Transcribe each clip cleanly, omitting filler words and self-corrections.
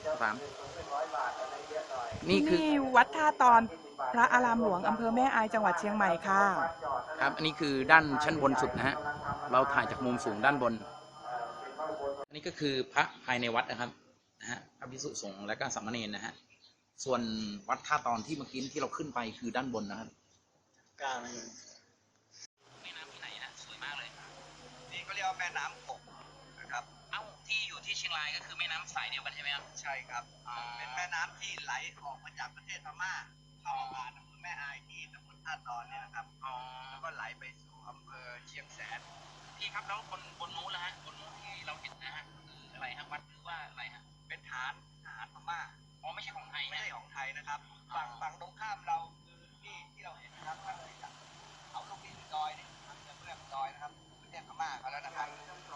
ถามนี่ที่คือนี่วัดท่าตอนพระอารามหลวงอำเภอแม่อายจังหวัดเชียงใหม่ค่ะครับอันนี้คือด้านชั้นบนสุดนะฮะเราถ่ายจากมุมสูงด้านบนอันนี้ก็คือพระภายในวัดนะครับนะฮะพระภิกษุสงฆ์และก็สามเณรนะฮะส่วนวัดท่าตอนที่เมื่อกี้ที่เราขึ้นไปคือด้านบนนะครับกล้าไหมแม่น้ำที่ไหนฮะสวยมากเลยนี่เขาเรียกว่าแม่น้ำกกนะครับเอ้าที่อยู่ที่เชียงรายก็คือแม่น้ำสายเดียวกันใช่ไหมครับใช่ครับเป็นแม่น้ำที่ไหลออกมาจากประเทศพม่าเข้ามาอำเภอแม่อายที่ตำบลท่าตอนเนี่ยนะครับแล้วก็ไหลไปสู่อำเภอเชียงแสนพี่ครับแล้วบนนู้นละฮะบนนู้นที่เราเห็นนะฮะคืออะไรฮะวัดหรือว่าอะไรฮะเป็นฐานทหารพม่าอ๋อไม่ใช่ของไทยไม่นะใช่ของไทยนะครับฝั่งตรงข้ามเราคือที่เราเห็นนะครับถ้าเลยจากเขาลูกนี้ดอยนี่ทางเรื่องดอยนะครับประเทศพม่าเขาแล้วนะครับ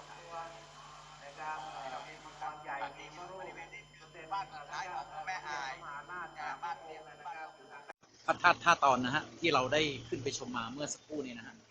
เรามีมังกรใหญ่ที่บริเวณนี้คือบ้านสุดท้ายของแม่อายบ้านเดียวกันบ้านพระธาตุท่าตอนนะฮะที่เราได้ขึ้นไปชมมาเมื่อสักครู่นี้นะฮะ